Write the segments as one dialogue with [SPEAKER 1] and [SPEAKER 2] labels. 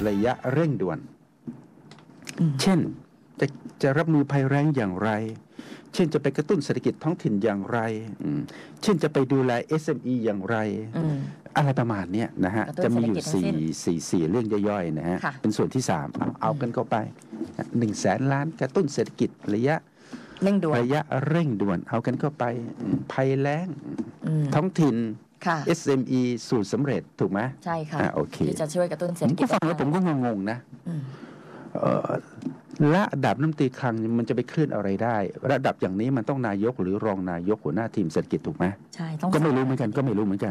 [SPEAKER 1] ระยะเร่งด่วนเช่นจะรับมือภัยแล้งอย่างไรเช่นจะไปกระตุ้นเศรษฐกิจท้องถิ่นอย่างไรเช่นจะไปดูแล SME อย่างไรอะไรประมาณนี้นะฮะจะมีอยู่4เรื่องย่อยๆนะฮะเป็นส่วนที่3เอากันเข้าไป100,000 ล้านกระตุ้นเศรษฐกิจระยะเร่งด่วนเอากันเข้าไปภัยแล้งท้องถิ่นSME สูตรสำเร็จถูกไหม
[SPEAKER 2] ใช่ค่ะ
[SPEAKER 1] โอเค
[SPEAKER 2] ที่จะช่วยกระตุ้นเศรษฐกิจ
[SPEAKER 1] ผมก็ฟังแล้วผมก็งงๆนะระดับรัฐมนตรีคลังมันจะไปเคลื่อนอะไรได้ระดับอย่างนี้มันต้องนายกหรือรองนายกหัวหน้าทีมเศรษฐกิจถูกไหม
[SPEAKER 2] ใช่ต้อง
[SPEAKER 1] ก็ไม่รู้เหมือนกัน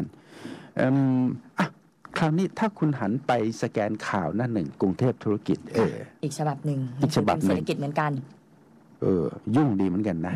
[SPEAKER 1] คราวนี้ถ้าคุณหันไปสแกนข่าวหน้าหนึ่งกรุงเทพธุรกิจ
[SPEAKER 2] อีกฉบับหนึ่งเศรษฐกิจเหมือนกัน
[SPEAKER 1] ยุ่งดีเหมือนกันนะ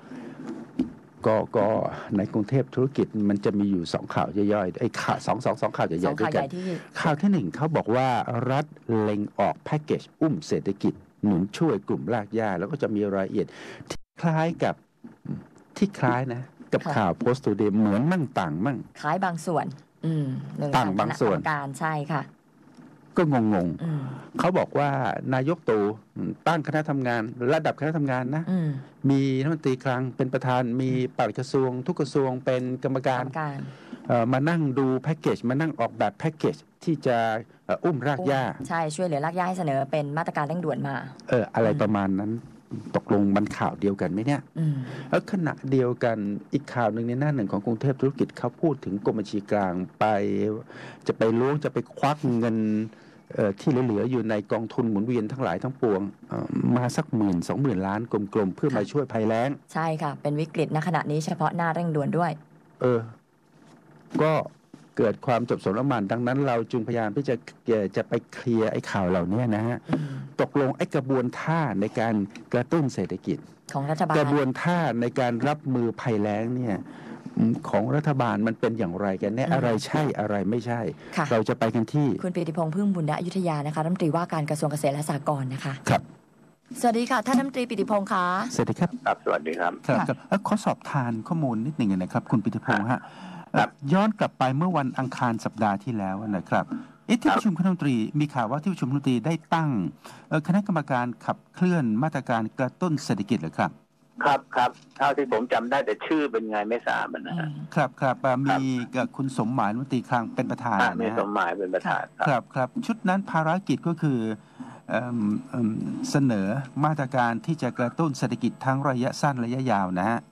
[SPEAKER 1] ก็ในกรุงเทพธุรกิจมันจะมีอยู่2ข่าวย่อยๆไอ้ข่าวสองข่าวใหญ่ๆด้วยกันข่าวที่1เขาบอกว่ารัฐเล็งออกแพ็กเกจอุ้มเศรษฐกิจหนุนช่วยกลุ่มรากหญ้าแล้วก็จะมีรายละเอียดที่คล้ายนะกับข่าวโพสต์ทูเดย์เหมือนมั่งต่างมั่ง
[SPEAKER 2] คล้ายบางส่วน
[SPEAKER 1] ต่างบางส่วน
[SPEAKER 2] การใช่ค่ะ
[SPEAKER 1] ก็งงเขาบอกว่านายกตู่ตั้งคณะทำงานระดับคณะทำงานนะมีรัฐมนตรีคลังเป็นประธานมีปลัดกระทรวงทุกกระทรวงเป็นกรรมการมานั่งดูแพ็กเกจมานั่งออกแบบแพ็กเกจที่จะอุ้มรากหญ้า
[SPEAKER 2] ใช่ช่วยเหลือรากหญ้าให้เสนอเป็นมาตรการเร่งด่วนมา
[SPEAKER 1] อะไรประมาณนั้นตกลงมันข่าวเดียวกันไหมเนี่ยแล้วขณะเดียวกันอีกข่าวหนึ่งในหน้าหนึ่งของกรุงเทพธุรกิจเขาพูดถึงกรมบัญชีกลางจะไปล้วงจะไปควักเงินที่เหลืออยู่ในกองทุนหมุนเวียนทั้งหลายทั้งปวงมาสัก10,000-20,000 ล้านกลมๆเพื่อมาช่วยภัยแล้ง
[SPEAKER 2] ใช่ค่ะเป็นวิกฤตณขณะนี้เฉพาะหน้าเร่งด่วนด้วย
[SPEAKER 1] ก็เกิดความจบสนละมันดังนั้นเราจึงพยายามที่จะไปเคลียร์ไอ้ข่าวเหล่านี้นะฮะตกลงไอ้กระบวนท่าในการกระตุ้นเศรษฐกิจ
[SPEAKER 2] ของรัฐบาล
[SPEAKER 1] กระบวนท่าในการรับมือภัยแล้งเนี่ยของรัฐบาลมันเป็นอย่างไรกันแน่อะไรใช่อะไรไม่ใช่เราจะไปกันที่
[SPEAKER 2] คุณปิติพงษ์พึ่งบุญณอยุธยานะคะรัฐมนตรีว่าการกระทรวงเกษตรและสหกรณ์นะคะ
[SPEAKER 1] ครับ
[SPEAKER 2] สวัสดีค่ะท่านรัฐมนตรีปิติพงษ์คะ
[SPEAKER 1] สวัสดีครับ
[SPEAKER 3] สวัสดีครับ
[SPEAKER 1] ขอสอบทานข้อมูลนิดหนึ่งนะครับคุณปิติพงษ์ฮะย้อนกลับไปเมื่อวันอังคารสัปดาห์ที่แล้วนะครับที่ประชุมคณะรัฐมนตรีมีข่าวว่าที่ประชุมคณะรัฐมนตรีได้ตั้งคณะกรรมการขับเคลื่อนมาตรการกระตุ้นเศรษฐกิจเหรอครับ
[SPEAKER 3] ครับเท่าที่ผมจำได้แต่ชื่อเป็นไงไม่ทราบ
[SPEAKER 1] นะครับมีคุณสมหมายรัฐมนตรีคลังเป็นประธานนะ
[SPEAKER 3] มีสมหมายเป็นประธาน
[SPEAKER 1] ครับชุดนั้นภารกิจก็คือเสนอมาตรการที่จะกระตุ้นเศรษฐกิจทั้งระยะสั้นระยะยาวนะฮะ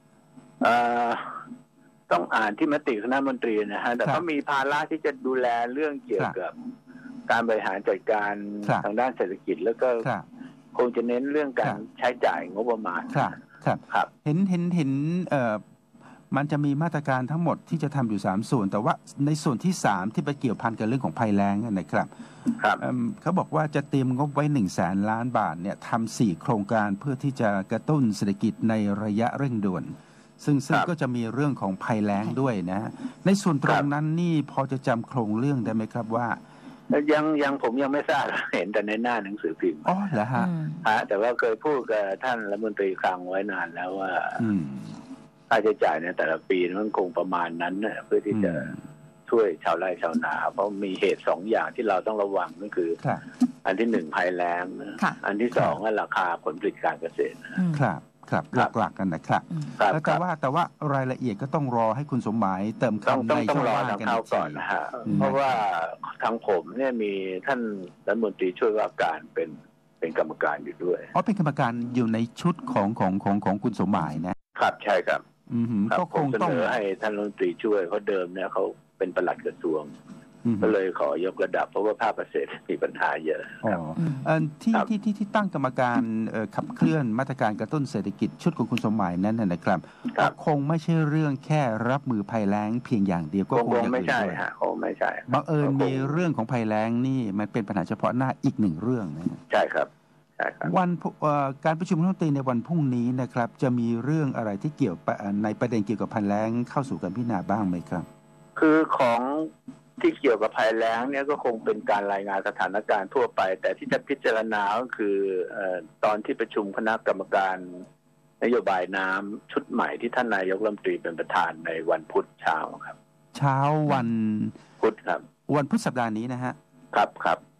[SPEAKER 3] ต้องอ่านที่มติคณะมนตรีนะฮะแต่ก็มีภาระที่จะดูแลเรื่องเกี่ยวกับการบริหารจัดการทางด้านเศรษฐกิจแล้วก็คงจะเน้นเรื่องการใช้จ่ายงบประมาณ
[SPEAKER 1] ครับเห็นมันจะมีมาตรการทั้งหมดที่จะทำอยู่3ส่วนแต่ว่าในส่วนที่3ที่ไปเกี่ยวพันกับเรื่องของภัยแล้งนะครับเขาบอกว่าจะเตรียมงบไว้100,000 ล้านบาทเนี่ยทำ4โครงการเพื่อที่จะกระตุ้นเศรษฐกิจในระยะเร่งด่วนซึ่งก็จะมีเรื่องของภัยแล้งด้วยนะในส่วนตรงนั้นนี่พอจะจำโครงเรื่องได้ไหมครับว่า
[SPEAKER 3] ยังผมยังไม่ทราบเห็นแต่ในหน้าหนังสือพิมพ์
[SPEAKER 1] เหรอฮะ
[SPEAKER 3] แต่ว่าเคยพูดกับท่านรัฐมนตรีคลังไว้นานแล้วว่าค่าใช้จ่ายในแต่ละปีมันคงประมาณนั้นเพื่อที่จะช่วยชาวไร่ชาวนาเพราะมีเหตุ2อย่างที่เราต้องระวังก็คืออันที่1ภัยแล้งอันที่2ก็ราคาผลผลิตการเกษตร
[SPEAKER 1] ครับหลักๆกันนะครับแต่ว่ารายละเอียดก็ต้องรอให้คุณสมหมายเติมคำในช่องว่างกัน
[SPEAKER 3] ก่อนนะฮะเพราะว่าทางผมเนี่ยมีท่านรัฐมนตรีช่วยว่าการเป็นกรรมการอยู่ด้วย
[SPEAKER 1] เป็นกรรมการอยู่ในชุดของคุณสมหมายนะครับ
[SPEAKER 3] ใช่ครับ
[SPEAKER 1] ก็คงต้อง
[SPEAKER 3] เสนอให้ท่านรัฐมนตรีช่วยเพราะเดิมเนี่ยเขาเป็นปลัดกระทรวงก็เลยขอยกระดับเพราะว่าภาคเกษตรมีปัญหาเยอะ
[SPEAKER 1] ที่ตั้งกรรมการขับเคลื่อนมาตรการกระตุ้นเศรษฐกิจชุดของคุณสมหมายนั้นนะครับคงไม่ใช่เรื่องแค่รับมือภัยแล้งเพียงอย่างเดียวก็
[SPEAKER 3] คงไม่ใช่ฮะคงไม่ใช่
[SPEAKER 1] บังเอิญมีเรื่องของภัยแล้งนี่มันเป็นปัญหาเฉพาะหน้าอีก1เรื่องนะ
[SPEAKER 3] ใช่ครับ
[SPEAKER 1] วันการประชุมรัฐมนตรีในวันพรุ่งนี้นะครับจะมีเรื่องอะไรที่เกี่ยวในประเด็นเกี่ยวกับภัยแล้งเข้าสู่การพิจารณาบ้างไหมครับ
[SPEAKER 3] คือของที่เกี่ยวกับภัยแล้งเนี่ยก็คงเป็นการรายงานสถานการณ์ทั่วไปแต่ที่จะพิจารณาก็คือตอนที่ประชุมคณะกรรมการนโยบายน้ำชุดใหม่ที่ท่านนายกรัฐมนตรีเป็นประธานในวันพุธเช้าครับ
[SPEAKER 1] เช้าวัน
[SPEAKER 3] พุธครับ
[SPEAKER 1] วันพุธสัปดาห์นี้นะฮะ
[SPEAKER 3] ครับ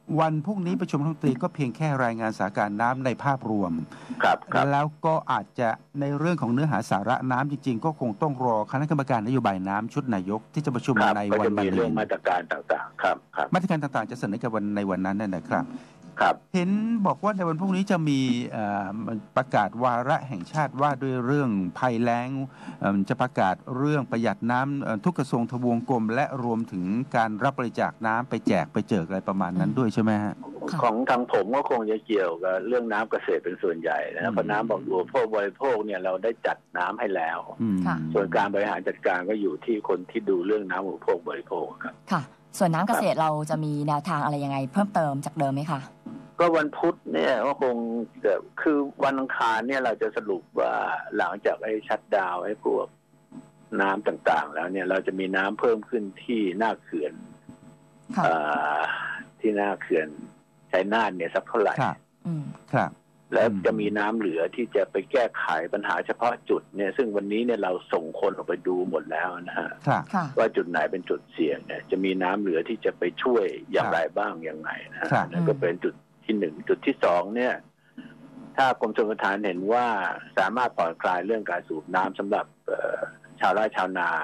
[SPEAKER 1] วันพรุ่งนี้ประชุมรัฐมนตรีก็เพียงแค่รายงานสถานการณ์น้ำในภาพรวม
[SPEAKER 3] ครับครับ
[SPEAKER 1] แล้วก็อาจจะในเรื่องของเนื้อหาสาระน้ำจริงๆก็คงต้องรอคณะกรรมการนโยบายน้ำชุดนายกที่จะประชุม
[SPEAKER 3] ครับ
[SPEAKER 1] ใน
[SPEAKER 3] ก็
[SPEAKER 1] วัน
[SPEAKER 3] จะ
[SPEAKER 1] มะ
[SPEAKER 3] มี
[SPEAKER 1] รื
[SPEAKER 3] เรื่อง
[SPEAKER 1] น
[SPEAKER 3] มาตรการต่างๆครับครับ
[SPEAKER 1] มาตรการต่างๆจะเสนอกันในวันนั้นนะครับ
[SPEAKER 3] ครับ
[SPEAKER 1] เห็นบอกว่าในวันพรุ่งนี้จะมีประกาศวาระแห่งชาติว่าด้วยเรื่องภัยแล้งจะประกาศเรื่องประหยัดน้ำทุกกระทรวงทบวงกรมและรวมถึงการรับบริจาคน้ำไปแจกไปเจิกอะไรประมาณนั้นด้วยใช่ไหมฮะ
[SPEAKER 3] ของทางผมก็คงจะเกี่ยวกับเรื่องน้ำเกษตรเป็นส่วนใหญ่นะเพราะน้ำบริโภคเนี่ยเราได้จัดน้ำให้แล้ว
[SPEAKER 2] ค่ะ
[SPEAKER 3] ส่วนการบริหารจัดการก็อยู่ที่คนที่ดูเรื่องน้ำอุปโภคบริโภคครับ
[SPEAKER 2] ค่ะ ส่วนน้ำเกษตรเราจะมีแนวทางอะไรยังไงเพิ่มเติมจากเดิมไหมคะ
[SPEAKER 3] ก็วันพุธเนี่ยก็คงจะคือวันอังคารเนี่ยเราจะสรุปว่าหลังจากไอ้ชัตดาวน์ไอ้พวกน้ำต่างๆ แล้วเนี่ยเราจะมีน้ำเพิ่มขึ้นที่หน้าเขื่อน
[SPEAKER 2] ค่ะ
[SPEAKER 3] ที่หน้าเขื่อนชัยนาทเนี่ยสักเท่าไหร่
[SPEAKER 1] ครับ
[SPEAKER 2] อืม
[SPEAKER 1] ครับ
[SPEAKER 3] แล้วจะมีน้ำเหลือที่จะไปแก้ไขปัญหาเฉพาะจุดเนี่ยซึ่งวันนี้เนี่ยเราส่งคนออกไปดูหมดแล้วนะฮะ
[SPEAKER 1] ครับ
[SPEAKER 2] ค่ะ
[SPEAKER 3] ว่าจุดไหนเป็นจุดเสี่ยงเนี่ยจะมีน้ำเหลือที่จะไปช่วยอย่างไรบ้างอย่างไงนะฮะ
[SPEAKER 1] ครับ
[SPEAKER 3] นั่นก็เป็นจุดที่หนึ่งจุดที่สองเนี่ยถ้ากรมชลประทานเห็นว่าสามารถผ่อนคลายเรื่องการสูบน้ำสำหรับชาวไร่ชาวนา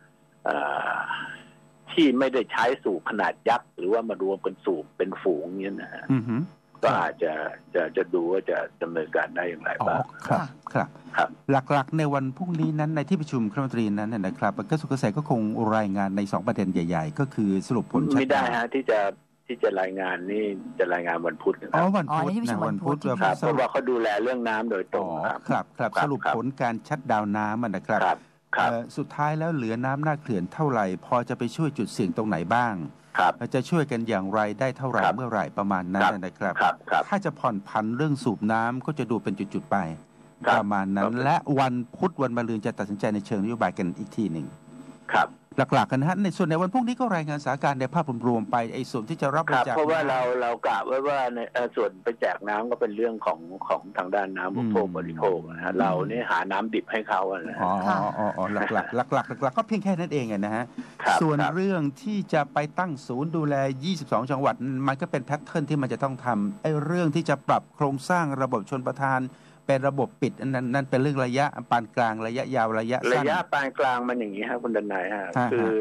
[SPEAKER 3] ที่ไม่ได้ใช้สูบขนาดยักษ์หรือว่ามารวมกันสูบเป็นฝูงเนี่ยนะฮะ
[SPEAKER 1] อือฮึ
[SPEAKER 3] ก็อาจจะดูว่าจะดำเนินการได้อย่างไร
[SPEAKER 1] อ๋อ
[SPEAKER 3] บ้าง
[SPEAKER 1] ครับ
[SPEAKER 2] ค่ะ
[SPEAKER 1] ครับ
[SPEAKER 3] ครับ
[SPEAKER 1] หลักๆในวันพรุ่งนี้นั้นในที่ประชุมคณะรัฐมนตรีนั้นนะครับกระทรวงเกษตรก็คงรายงานใน2ประเด็นใหญ่ๆก็คือสรุปผลชัด
[SPEAKER 3] ไม่ได้ฮะที่จะรายงานนี่จะรายงานวันพุธนะค
[SPEAKER 1] อ๋
[SPEAKER 3] รั
[SPEAKER 1] อบ วันพุธ
[SPEAKER 2] อ๋อในที่ประชุ
[SPEAKER 1] นะ
[SPEAKER 2] มวั
[SPEAKER 1] วัน
[SPEAKER 2] นพุ
[SPEAKER 1] พุธ
[SPEAKER 2] ธที่
[SPEAKER 1] แบบ
[SPEAKER 3] ครับ
[SPEAKER 1] ส
[SPEAKER 3] เพราะ
[SPEAKER 1] รุป
[SPEAKER 3] ว่าเขาดูแลเรื่องน้ำโดยตร
[SPEAKER 1] อ๋
[SPEAKER 3] ง
[SPEAKER 1] อ
[SPEAKER 3] ครับ
[SPEAKER 1] ครับครับ
[SPEAKER 3] ครับ
[SPEAKER 1] สรุป
[SPEAKER 3] ครับ
[SPEAKER 1] ผลการชัดดาวน์น้ำนะครับ
[SPEAKER 3] ครับครับ
[SPEAKER 1] สุดท้ายแล้วเหลือน้ำหน้าเขื่อนเท่าไหร่พอจะไปช่วยจุดเสี่ยงตรงไหนบ้าง
[SPEAKER 3] ครับ
[SPEAKER 1] จะช่วยกันอย่างไรได้เท่าไหร่
[SPEAKER 3] ครับ
[SPEAKER 1] เมื่อไหร่ประมาณนั้นนะครับ
[SPEAKER 3] ครับครับ
[SPEAKER 1] ถ้าจะผ่อนผันเรื่องสูบน้ำก็จะดูเป็นจุดๆไป
[SPEAKER 3] ครับ
[SPEAKER 1] ประมาณนั้
[SPEAKER 3] ครั
[SPEAKER 1] น
[SPEAKER 3] บ
[SPEAKER 1] และวันพุธวันมะรืนจะตัดสินใจในเชิงนโยบายกันอีกทีหนึ่ง
[SPEAKER 3] ครับ
[SPEAKER 1] หลักๆกันนะฮะในส่วนในวันพรุ่งนี้ก็รายงานสถานการณ์ในภาพรวมๆไปไอ้ส่วนที่จะรับบ
[SPEAKER 3] ค
[SPEAKER 1] ริ
[SPEAKER 3] รับ
[SPEAKER 1] จาค
[SPEAKER 3] เพราะว่า
[SPEAKER 1] น้ำ
[SPEAKER 3] เรากะไว้ว่าในส่วนไปแจกน้ำก็เป็นเรื่องของทางด้านน้ำอุปโภคบริโภคนะฮะเราเนี่ยหาน้ำดิบให้เขาอะนะ
[SPEAKER 1] อ๋
[SPEAKER 3] ฮะ
[SPEAKER 1] อหลักๆก็เพียงแค่นั้นเองนะฮะ
[SPEAKER 3] ครับ
[SPEAKER 1] ส่วน
[SPEAKER 3] ครับ
[SPEAKER 1] เรื่องที่จะไปตั้งศูนย์ดูแล 22 จังหวัด มันก็เป็นแพทเทิร์นที่มันจะต้องทำไอ้เรื่องที่จะปรับโครงสร้างระบบชนประทานเป็นระบบปิดนั่นเป็นเรื่องระยะปานกลางระยะยาวระยะ
[SPEAKER 3] ระ
[SPEAKER 1] สั้น
[SPEAKER 3] ยะปานกลางมันอย่างนี้ครับคุณดนัยฮะ
[SPEAKER 1] ฮะ
[SPEAKER 3] คือ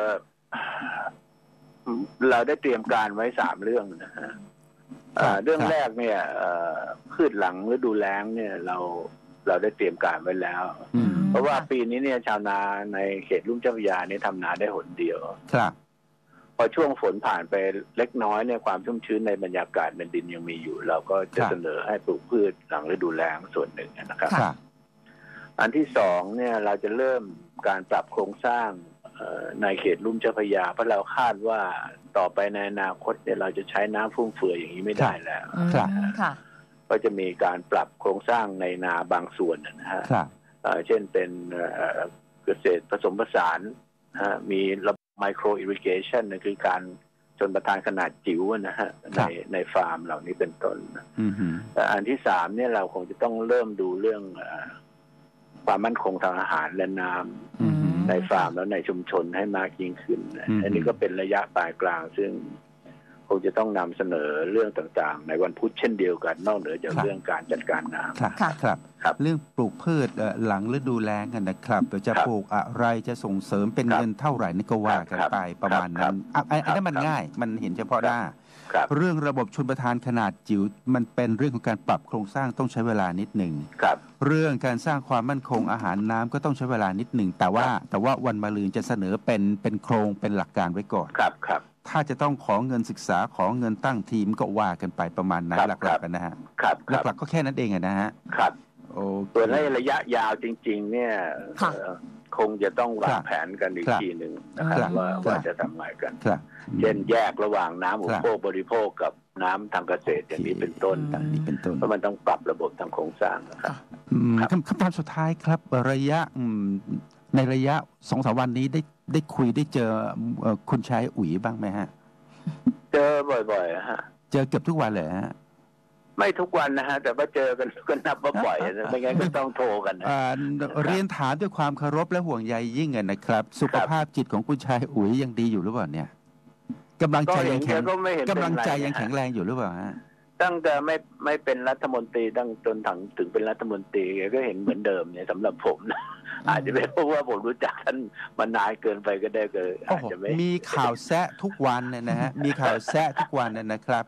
[SPEAKER 3] เราได้เตรียมการไว้3 เรื่องนะฮะเรื่องแรกเนี่ยพืชหลังฤดูแล้งเนี่ยเราได้เตรียมการไว้แล้ว
[SPEAKER 1] อืม
[SPEAKER 3] เพราะว่าปีนี้เนี่ยชาวนาในเขตลุ่มเจ้าพระยาเนี่ยทำนาได้หนเดียว
[SPEAKER 1] ครับ
[SPEAKER 3] พอช่วงฝนผ่านไปเล็กน้อยเนี่ยความชุ่มชื้นในบรรยากาศในดินยังมีอยู่ เราก็จะเสนอให้ปลูกพืชหลังฤดูแล้งส่วนหนึ่งนะครับ
[SPEAKER 1] ครับ
[SPEAKER 3] อันที่สองเนี่ยเราจะเริ่มการปรับโครงสร้างในเขตลุ่มเจ้าพระยาเพราะเราคาดว่าต่อไปในอนาคตเนี่ยเราจะใช้น้ำฟุ่มเฟือยอย่างนี้ไม่ได้แล้ว
[SPEAKER 1] ครับ
[SPEAKER 2] ค่ะ
[SPEAKER 3] ก็จะมีการปรับโครงสร้างในนาบางส่วนนะฮะ
[SPEAKER 1] ครับ
[SPEAKER 3] เช่นเป็นเกษตรผสมผสานมีระบบไมโครอิริเกชันคือการชนประทานขนาดจิ๋วนะฮะในฟาร์มเหล่านี้เป็นต้น
[SPEAKER 1] อืม
[SPEAKER 3] อันที่3เนี่ยเราคงจะต้องเริ่มดูเรื่องความมั่นคงทางอาหารและน้ำ
[SPEAKER 1] อืม
[SPEAKER 3] ในฟาร์มแล้วในชุมชนให้มากยิ่งขึ้น
[SPEAKER 1] อืม
[SPEAKER 3] อันนี้ก็เป็นระยะปลายกลาง ซึ่งคงจะต้องนำเสนอเรื่องต่างๆ ในวันพุธเช่นเดียวกันนอกเหนือจากเรื่องการจัดการน้ำ
[SPEAKER 1] ครับ
[SPEAKER 2] ค่ะ
[SPEAKER 1] ครับ
[SPEAKER 3] ครับ
[SPEAKER 1] เรื่องปลูกพืชหลังฤดูแล้งกันนะครับจะ
[SPEAKER 3] ครับ
[SPEAKER 1] ปลูกอะไรจะส่งเสริมเป็น
[SPEAKER 3] ครับ
[SPEAKER 1] เงินเท่าไหร่นี่ก็ว่ากัน
[SPEAKER 3] ครับ
[SPEAKER 1] ไปประมาณ
[SPEAKER 3] ครั
[SPEAKER 1] นั้
[SPEAKER 3] บ
[SPEAKER 1] นอัน
[SPEAKER 3] ครับ
[SPEAKER 1] นั้นมันง่าย มันเห็นเฉพาะหน้า
[SPEAKER 3] ครับ
[SPEAKER 1] เรื่องระบบชลประทานขนาดจิ๋วมันเป็นเรื่องของการปรับโครงสร้างต้องใช้เวลานิดหนึ่ง
[SPEAKER 3] ครับ
[SPEAKER 1] เรื่องการสร้างความมั่นคงอาหารน้ำก็ต้องใช้เวลานิดหนึ่งแต่ว่าวันมะรืนจะเสนอเป็นโครงเป็นหลักการไว้ก่อน
[SPEAKER 3] ครับครับ
[SPEAKER 1] ถ้าจะต้องขอเงินศึกษาขอเงินตั้งทีมก็ว่ากันไปประมาณนั้น
[SPEAKER 3] ครับ
[SPEAKER 1] หลัก
[SPEAKER 3] ครับ
[SPEAKER 1] ๆกันนะฮะ
[SPEAKER 3] ครับครับ
[SPEAKER 1] หลักๆก็แค่นั้นเองนะฮะ
[SPEAKER 3] ครับ
[SPEAKER 1] โอเค
[SPEAKER 3] ส่วนในระยะยาวจริง ๆ เนี่ย
[SPEAKER 2] ค่ะ
[SPEAKER 3] คงจะต้องวา
[SPEAKER 1] ค
[SPEAKER 3] ง
[SPEAKER 1] รับ
[SPEAKER 3] แผนกันอีก
[SPEAKER 1] ครับ
[SPEAKER 3] ทีหนึ่งนะครับ
[SPEAKER 1] ครับ
[SPEAKER 3] ว่าจะทำไงกัน
[SPEAKER 1] ครับ
[SPEAKER 3] เช่นแยกระหว่างน้ำอุปโภคบริโภคกับน้ำทางเกษตรอย่างนี้เป็นต้น
[SPEAKER 1] ต่างนี้เป็นต้น
[SPEAKER 3] เพราะมันต้องปรับระบบทางโครงสร้างนะครับ ครับ
[SPEAKER 1] คำถามสุดท้ายครับระยะในระยะ2-3 วันนี้ได้คุยได้เจอคุณชายอุ๋ยบ้างไหมฮะ
[SPEAKER 3] เจอบ่อยๆฮะ
[SPEAKER 1] เจอเกือบทุกวันเลยฮะ
[SPEAKER 3] ไม่ทุกวันนะฮะแต่ว่าเจอกันก็นับว่าบ่อยนะไม่งั้นก็ต้องโทรกันนะ
[SPEAKER 1] เรียนถามด้วยความเคารพและห่วงใยยิ่งนะครับ สุขภาพจิตของคุณชายอุ๋ยยังดีอยู่หรือเปล่าเนี่ย แกกำลังใจยัง
[SPEAKER 3] ก็
[SPEAKER 1] แข็ง
[SPEAKER 3] ก็ไม่เห็น
[SPEAKER 1] กำลังใจ
[SPEAKER 3] เป็นไร
[SPEAKER 1] ยังแข็งแรงอยู่หรือเปล่าฮะ
[SPEAKER 3] ตั้งแต่ไม่เป็นรัฐมนตรีตั้งจนถึงเป็นรัฐมนตรีก็เห็นเหมือนเดิมเนี่ยสำหรับผมนะอาจจะเป็นเพราะว่าผมรู้จักท่านมานานเกินไปก็ได้อาจจะไม่
[SPEAKER 1] มีข่าวแซะทุกวันเนี่ยนะฮะ มีข่าวแซะทุกวันเนี่ยนะครับ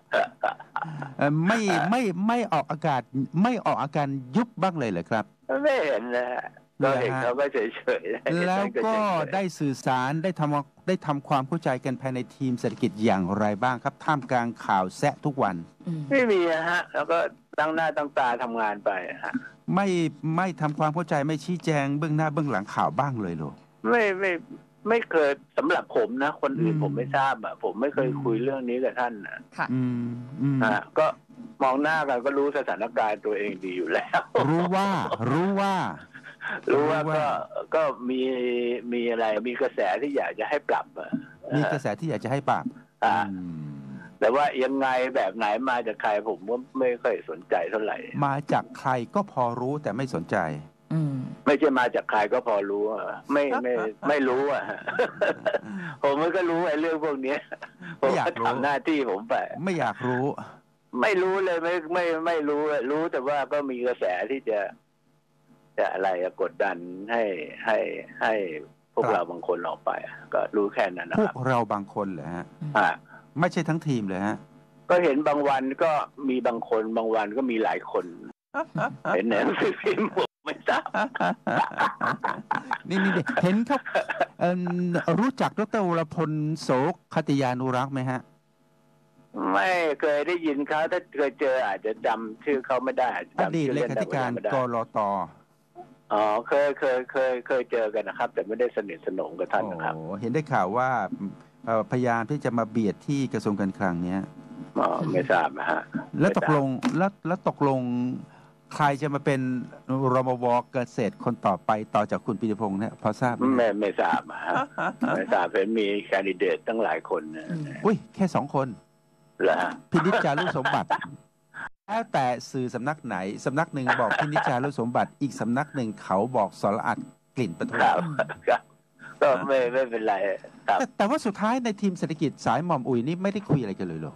[SPEAKER 1] ไม่ออกอากาศไม่ออกอาการยุบบ้างเลยเหรอครับ
[SPEAKER 3] ไม่เห็นนะฮะก็เห็นเขาก็เฉยๆ
[SPEAKER 1] แล้วก็ได้สื่อสารได้ทำความเข้าใจกันภายในทีมเศรษฐกิจอย่างไรบ้างครับท่ามกลางข่าวแซะทุกวัน
[SPEAKER 3] ไม่มีฮะแล้วก็ตั้งหน้าตั้งตาทำงานไปฮะ
[SPEAKER 1] ไม่ทำความเข้าใจไม่ชี้แจงเบื้องหน้าเบื้องหลังข่าวบ้างเลยเหรอ
[SPEAKER 3] ไม่เคยสำหรับผมนะคนอื่นผมไม่ทราบอ่ะผมไม่เคยคุยเรื่องนี้กับท่านนะ
[SPEAKER 2] ค่ะ
[SPEAKER 3] ก็มองหน้ากันก็รู้สถานการณ์ตัวเองดีอยู่แล้ว
[SPEAKER 1] รู้ว่า
[SPEAKER 3] ก็มีอะไรมีกระแสที่อยากจะให้ปรับ
[SPEAKER 1] มีกระแสที่อยากจะให้ปรับ
[SPEAKER 3] แต่ว่ายังไงแบบไหนมาจากใครผมก็ไม่ค่อยสนใจเท่าไหร่
[SPEAKER 1] มาจากใครก็พอรู้แต่ไม่สนใจ
[SPEAKER 3] ไม่ใช่มาจากใครก็พอรู้ไม่รู้อ่ะผมก็รู้ไอ้เรื่องพวกนี้ผมก็ทำหน้าที่ผมไป
[SPEAKER 1] ไม่อยากรู้
[SPEAKER 3] ไม่รู้เลยไม่รู้แต่ว่าก็มีกระแสที่จะอะไรกดดันให้พวกเราบางคนออกไปก็รู้แค่นั้นนะค
[SPEAKER 1] รั
[SPEAKER 3] บ
[SPEAKER 1] พวกเราบางคนเหรอฮะไม่ใช่ทั้งทีมเลยฮะ
[SPEAKER 3] ก็เห็นบางวันก็มีบางคนบางวันก็มีหลายคนเห็นหนังสือพิมพ์ผมไม่ทราบ
[SPEAKER 1] นี่เห็นเขารู้จักดร.วรพลโสคติยานุรักษ์ไหมฮะ
[SPEAKER 3] ไม่เคยได้ยินเขาถ้าเคยเจออาจจะจำชื่อเขาไม่ได้
[SPEAKER 1] อดีตเลขาธิการกลต.
[SPEAKER 3] อ๋อเคยเจอกันนะครับแต่ไม่ได้สนิทสนมกับท่านนะครับ
[SPEAKER 1] เห็นได้ข่าวว่าพยายามที่จะมาเบียดที่กระทรวงการคลังเนี้ย
[SPEAKER 3] ไม่ทราบนะฮะ
[SPEAKER 1] แล้วตกลงใครจะมาเป็นรมว.เกษตรคนต่อไปต่อจากคุณปิยพงษ์เนี่ยพอทราบไหม
[SPEAKER 3] ไม่ทราบฮะไม่ทราบเห็นมีแคนดิเดตตั้งหลายคนนะ
[SPEAKER 1] อุ้ยแค่2 คน
[SPEAKER 3] เหรอ
[SPEAKER 1] พินิจจารุสมบัติแล้วแต่สื่อสำนักไหนสำนักหนึ่งบอกพินิจจารุสมบัติอีกสำนักหนึ่งเขาบอกสรอัดกลิ่นประทุม
[SPEAKER 3] ก็ไม่เป็นไรครับ
[SPEAKER 1] แต่ว่าสุดท้ายในทีมเศรษฐกิจสายหม่อมอุ๋ยนี่ไม่ได้คุยอะไรกันเลยหรอ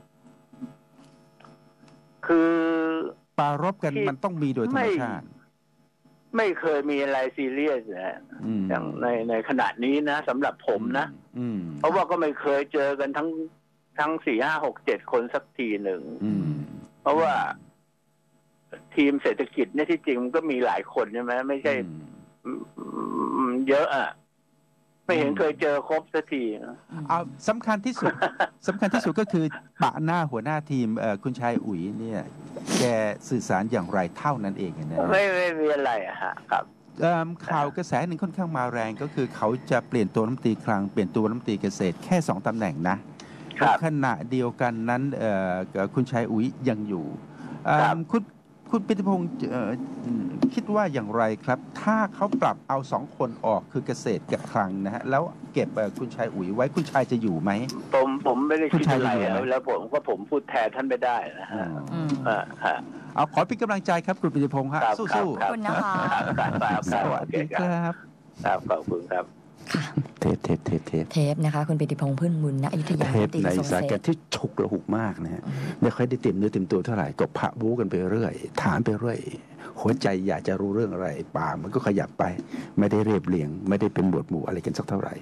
[SPEAKER 3] คือ
[SPEAKER 1] ปารบกันมันต้องมีโดยธรรมชาติ
[SPEAKER 3] ไม่เคยมีอะไรซีเรียสนะอย่างในขณะนี้นะสำหรับผมนะเพราะว่าก็ไม่เคยเจอกันทั้ง4, 5, 6, 7 คนสักทีหนึ่งเพราะว่าทีมเศรษฐกิจเนี่ยที่จริงมันก็มีหลายคนใช่ไหมไม่ใช่เยอะอ่ะไม่เห็นเคยเจอครบสักที
[SPEAKER 1] เอาสำคัญที่สุดก็คือปะหน้าหัวหน้าทีมคุณชายอุ๋ยเนี่ยแกสื่อสารอย่างไรเท่านั้นเองนะ
[SPEAKER 3] ไม่มีอะไรอะฮะครับ
[SPEAKER 1] ข่าวกระแสหนึ่งค่อนข้างมาแรงก็คือเขาจะเปลี่ยนตัวรัฐมนตรีคลังเปลี่ยนตัวรัฐมนตรีเกษตรแค่2 ตำแหน่งนะขณะเดียวกันนั้นคุณชายอุ๋ยยังอยู่คุณปิยพงษ์คิดว่าอย่างไรครับถ้าเขาปรับเอา2 คนออกคือเกษตรกับคลังนะฮะแล้วเก็บคุณชายอุ๋ยไว้คุณชายจะอยู่ไหม
[SPEAKER 3] ผมไม่ได้คิดอะไรแล้วผมพูดแทนท่านไม่ได้นะฮะ
[SPEAKER 1] เอาขอเป็นกำลังใจครับคุณปิยพงษ์ฮะสู้
[SPEAKER 2] ๆขอบคุณนะคะ
[SPEAKER 1] สวัสดีครับ
[SPEAKER 3] ขอบคุณครับ
[SPEAKER 2] เทปนะคะคุณปิยพงษ์พึ่งบุญณอยุธยา
[SPEAKER 1] เทปในสายการที่ฉุกระหุกมากนะฮะไม่ค่อยได้เต็มเนื้อเต็มตัวเท่าไหร่ก็พะบู๊กันไปเรื่อยถามไปเรื่อยหัวใจอยากจะรู้เรื่องอะไรปากมันก็ขยับไปไม่ได้เรียบเรียงไม่ได้เป็นหมวดหมู่อะไรกันสักเท่าไหร่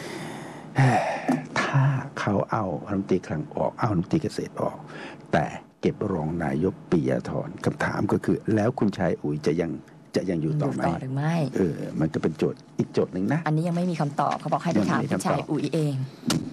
[SPEAKER 1] ถ้าเขาเอารัฐมนตรีคลังออกเอารัฐมนตรีเกษตรออกแต่เก็บรองนายกปิยธรคำถามก็คือแล้วคุณชายอุ๋ยจะยังอยู่ต่อไหม
[SPEAKER 2] หรือไม่
[SPEAKER 1] มันก็เป็นโจทย์อีกโจทย์หนึ่งนะ
[SPEAKER 2] อันนี้ยังไม่มีคำตอบเขาบอกให้ไปถามคุณชายอุ๋ยเอง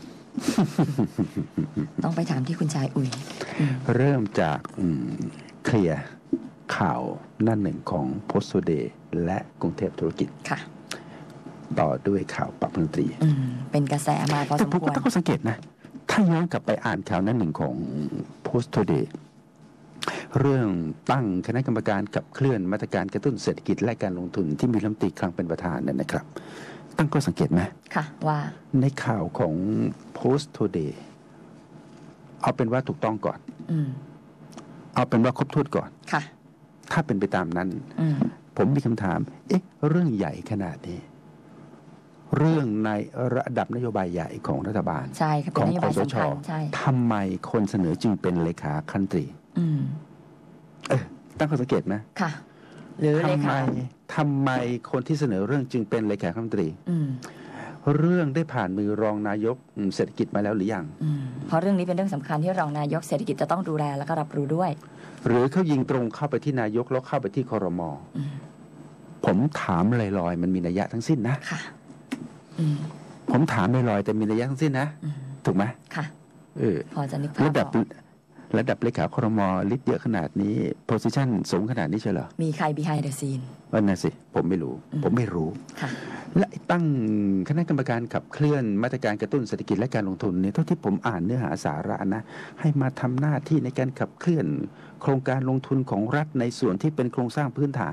[SPEAKER 2] ต้องไปถามที่คุณชายอุ๋ย
[SPEAKER 1] เริ่มจากเคลียร์ข่าวหน้าหนึ่งของโพสต์ทูเดย์และกรุงเทพธุรกิจ
[SPEAKER 2] ค่ะ
[SPEAKER 1] ต่อด้วยข่าวปรับรัฐมนตรี
[SPEAKER 2] เป็นกระแสมาพอสมควร
[SPEAKER 1] แต่ผมก็ต้องสังเกตนะถ้าย้อนกลับไปอ่านข่าวหน้าหนึ่งของโพสต์ทูเดย์เรื่องตั้งคณะกรรมการขับเคลื่อนมาตรการกระตุ้นเศรษฐกิจและการลงทุนที่มีรัฐมนตรีคลังเป็นประธานนั่นนะครับตั้งก็สังเกตไหม
[SPEAKER 2] ค่ะว่า
[SPEAKER 1] ในข่าวของ Post Today เอาเป็นว่าถูกต้องก่อนเอาเป็นว่าครบถ้วนก่อน
[SPEAKER 2] ค่ะ
[SPEAKER 1] ถ้าเป็นไปตามนั้นผมมีคำถามเรื่องใหญ่ขนาดนี้เรื่องในระดับนโยบายใหญ่ของรัฐบาล
[SPEAKER 2] ใช่ค่ะ
[SPEAKER 1] ข
[SPEAKER 2] เป็น
[SPEAKER 1] อง
[SPEAKER 2] นโย
[SPEAKER 1] ค
[SPEAKER 2] บาย
[SPEAKER 1] สช
[SPEAKER 2] สำคัญใช่
[SPEAKER 1] ทำไมคนเสนอจึงเป็นเลขาคณะรัฐมนตรี
[SPEAKER 2] อืม
[SPEAKER 1] ตั้งข้อสังเกตไหม
[SPEAKER 2] ค่ะ หรือเลขา
[SPEAKER 1] ทำไมคนที่เสนอเรื่องจึงเป็นเลขาคณะรัฐมนตรี
[SPEAKER 2] อืม
[SPEAKER 1] เรื่องได้ผ่านมือรองนายกเศรษฐกิจมาแล้วหรือยัง
[SPEAKER 2] อืมเพราะเรื่องนี้เป็นเรื่องสำคัญที่รองนายกเศรษฐกิจจะต้องดูแลแล้วก็รับรู้ด้วย
[SPEAKER 1] หรือเขายิงตรงเข้าไปที่นายกแล้วเข้าไปที่ครม.
[SPEAKER 2] อืม
[SPEAKER 1] ผมถามลอยๆมันมีนัยยะทั้งสิ้นนะ
[SPEAKER 2] ค่ะ อืม
[SPEAKER 1] ผมถามลอยๆแต่มีนัยยะทั้งสิ้นนะ
[SPEAKER 2] อืม
[SPEAKER 1] ถูกไหม
[SPEAKER 2] ค่ะ
[SPEAKER 1] เออ
[SPEAKER 2] พอจะนึกภาพ
[SPEAKER 1] ระดับ
[SPEAKER 2] ออก
[SPEAKER 1] ระดับเลขาครม.ลิสต์เยอะขนาดนี้โพสิชันสูงขนาดนี้ใช่เหรอ
[SPEAKER 2] มีใคร behind the scene
[SPEAKER 1] นั่นสิผมไม่รู้ ผมไม่รู้
[SPEAKER 2] ค่ะ
[SPEAKER 1] และตั้งคณะกรรมการขับเคลื่อนมาตรการกระตุ้นเศรษฐกิจและการลงทุนเนี่ยเท่าที่ผมอ่านเนื้อหาสาระนะให้มาทำหน้าที่ในการขับเคลื่อนโครงการลงทุนของรัฐในส่วนที่เป็นโครงสร้างพื้นฐาน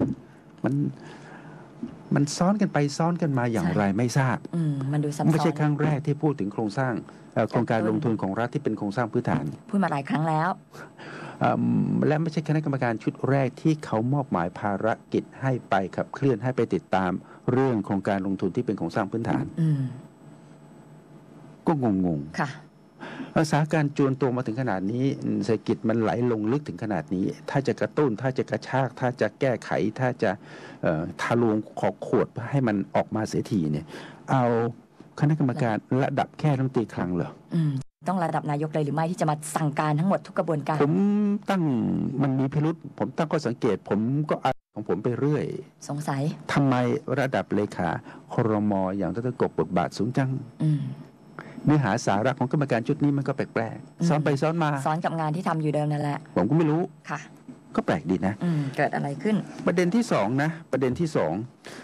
[SPEAKER 1] มันซ้อนกันไปซ้อนกันมาอย่างไรไม่ทราบ
[SPEAKER 2] อืม มันดูซับซ้อน
[SPEAKER 1] ไม่ใช่ครั้งแรกที่พูดถึงโครงสร้างโครงการลงทุนของรัฐที่เป็นโครงสร้างพื้นฐาน
[SPEAKER 2] พูดมาหลายครั้งแล้ว
[SPEAKER 1] และไม่ใช่คณะกรรมการชุดแรกที่เขามอบหมายภารกิจให้ไปขับเคลื่อนให้ไปติดตามเรื่องโครงการลงทุนที่เป็นโครงสร้างพื้นฐาน
[SPEAKER 2] อืม
[SPEAKER 1] ก็งง
[SPEAKER 2] ค่ะ
[SPEAKER 1] สถานการณ์จวนตัวมาถึงขนาดนี้เศรษฐกิจมันไหลลงลึกถึงขนาดนี้ ถ้าจะกระตุ้นถ้าจะกระชากถ้าจะแก้ไขถ้าจะทะลวงขอขวดให้มันออกมาเสียทีเนี่ยเอาคณะกรรมการระดับแค่รัฐมนตรีคลังเหรอ
[SPEAKER 2] อืม ต้องระดับนายกเลยหรือไม่ที่จะมาสั่งการทั้งหมดทุกกระบวนการ
[SPEAKER 1] ผมตั้งมันมีพิรุษผมตั้งข้อสังเกตผมก็อ่านของผมไปเรื่อย
[SPEAKER 2] สงสัย
[SPEAKER 1] ทำไมระดับเลขาครม.อย่างดร.กบบทบาทสูงจัง
[SPEAKER 2] อืม
[SPEAKER 1] เนื้อหาสาระของกรรมการชุดนี้มันก็แปลกๆซ้อนไปซ้อนมา
[SPEAKER 2] ซ้อนกับงานที่ทำอยู่เดิมนั่นแหละ
[SPEAKER 1] ผมก็ไม่รู้
[SPEAKER 2] ค่ะ
[SPEAKER 1] ก็แปลกดีนะ
[SPEAKER 2] อืม เกิดอะไรขึ้น
[SPEAKER 1] ประเด็นที่สองนะประเด็นที่สอง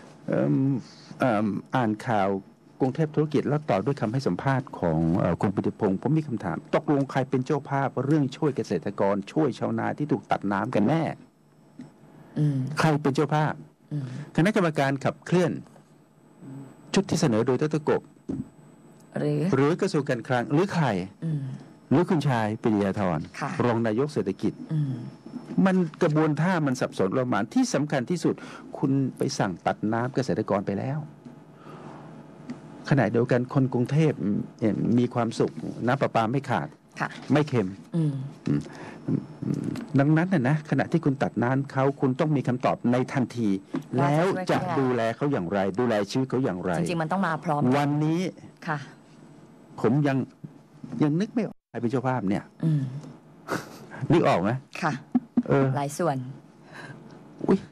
[SPEAKER 1] อ่านข่าวกรุงเทพธุรกิจแล้วต่อด้วยคำให้สัมภาษณ์ของคุณปิติพงศ์ผมมีคำถามตกลงใครเป็นเจ้าภาพเรื่องช่วยเกษตรกรช่วยชาวนาที่ถูกตัดน้ำกันแน่
[SPEAKER 2] อืม
[SPEAKER 1] ใครเป็นเจ้าภาพ
[SPEAKER 2] อืม
[SPEAKER 1] คณะกรรมการขับเคลื่อนชุดที่เสนอโดยดร.กบ หรือกระทรวงการคลังหรือใคร
[SPEAKER 2] อืม
[SPEAKER 1] หรือคุณชายปริยาธร
[SPEAKER 2] ค่ะ
[SPEAKER 1] รองนายกเศรษฐกิจ
[SPEAKER 2] อืม
[SPEAKER 1] มันกระบวนท่ามันสับสนประมาณที่สำคัญที่สุด คุณไปสั่งตัดน้ำเกษตรกรไปแล้วขณะเดียวกันคนกรุงเทพมีความสุขน้ำประปาไม่ขาด
[SPEAKER 2] ค่ะ
[SPEAKER 1] ไม่เค็ม
[SPEAKER 2] อืม
[SPEAKER 1] ดังนั้นนะขณะที่คุณตัดน้ำเขาคุณต้องมีคำตอบในทันที
[SPEAKER 2] ว่า
[SPEAKER 1] แล้ว
[SPEAKER 2] จะ
[SPEAKER 1] จะ
[SPEAKER 2] ช่วยเขา
[SPEAKER 1] ดูแลเขาอย่างไร ดูแลชีวิตเขาอย่างไร
[SPEAKER 2] จริงๆ มันต้องมาพร้อม
[SPEAKER 1] วันนี้
[SPEAKER 2] ค่ะ
[SPEAKER 1] ผมยังนึกไม่ออกใครเป็นเจ้าภาพเนี่ย
[SPEAKER 2] อืม
[SPEAKER 1] นึกออกไหม
[SPEAKER 2] ค่ะ
[SPEAKER 1] เออ
[SPEAKER 2] หลายส่วน
[SPEAKER 1] อุ๊ย